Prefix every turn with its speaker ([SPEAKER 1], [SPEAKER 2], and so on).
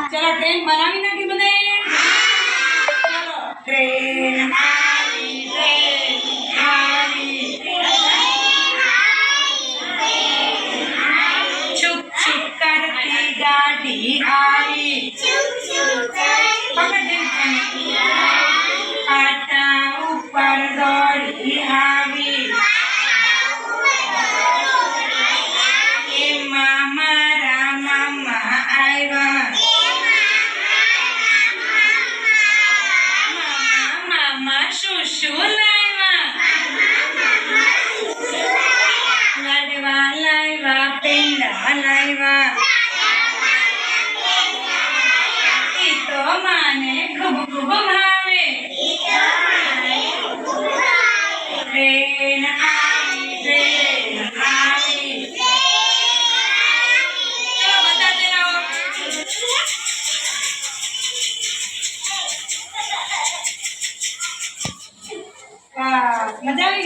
[SPEAKER 1] ચલો ટ્રેન બનાવી નાખી બધાએ ચલો ટ્રેન આવી છુક છુક કરતી ગાડી આવી પાટા ઉપર દોડી આવી એમાં મારા મામા આવ્યા મામા શું શું લાવ્યા લાડવા લાવ્યા પેંડા લાવ્યા ઈ તો માને ખૂબ ખૂબ ભાવે ટ્રેન આવી ચલો બધા જણાવો વાહ મજા આવી